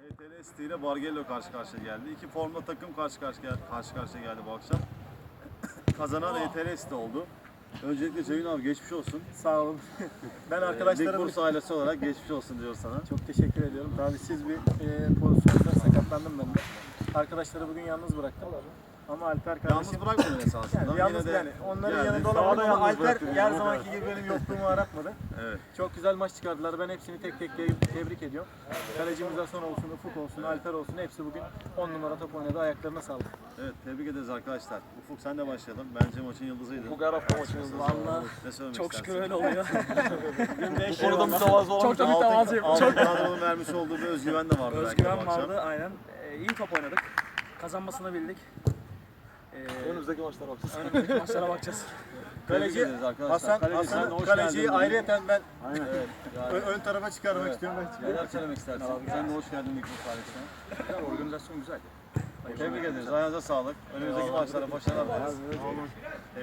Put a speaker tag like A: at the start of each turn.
A: HTL ile Bargello karşı karşıya geldi. İki formda takım karşı karşıya geldi bu akşam. Kazanan HTL oldu. Öncelikle Ceyhun abi geçmiş olsun.
B: Sağ olun. Ben
A: Lig
B: arkadaşlarım
A: Bursa ailesi olarak geçmiş olsun diyor sana.
B: çok teşekkür ediyorum. Talihsiz bir pozisyonda sakatlandım ben de. Arkadaşları bugün yalnız bıraktım. Ama Alper kardeşim...
A: Yalnız bırakmadın esasında.
B: Yani yalnız yani onların
A: geldi.
B: yanında olamadım ama
A: Yalnız
B: Alper
A: bıraktın
B: her
A: yani.
B: zamanki gibi benim yokluğumu aratmadı.
A: Evet.
B: Çok güzel maç çıkardılar. Ben hepsini tek tek tebrik ediyorum. Kalecimiz Hasan olsun, Ufuk olsun, Alper olsun hepsi bugün 10 numara top oynadı. Ayaklarına sağlık.
A: Evet, tebrik ederiz arkadaşlar. Ufuk sen de başlayalım. Bence maçın yıldızıydı.
C: Bu her hafta maçın yıldızı.
B: Vallahi
A: Ne söylemek
C: Çok
A: istersin?
C: şükür öyle oluyor.
B: bugün
C: Bu konuda mütevazı olamayacağım.
B: çok mütevazıyım.
A: Altın kadronun vermiş olduğu bir özgüven de vardı. belki bu
D: Özgüven
A: akşam.
D: vardı aynen. İyi top oynadık. Kazanmasını bildik.
C: Önümüzdeki maçlara bakacağız.
D: Önümüzdeki maçlara bakacağız.
A: Tebrik
B: Kaleci
A: ederiz arkadaşlar.
B: Hasan kaleciyi ayrıyeten ben
A: Evet, yani,
B: ön tarafa çıkarmak
A: Evet.
B: istiyorum.
A: neler söylemek istersin? Sen de hoş geldin Lig Bursa ailesine.
D: Güzel, organizasyon güzel.
A: Tebrik ederiz. Ayağınıza sağlık. Önümüzdeki maçlara başarılar dileriz.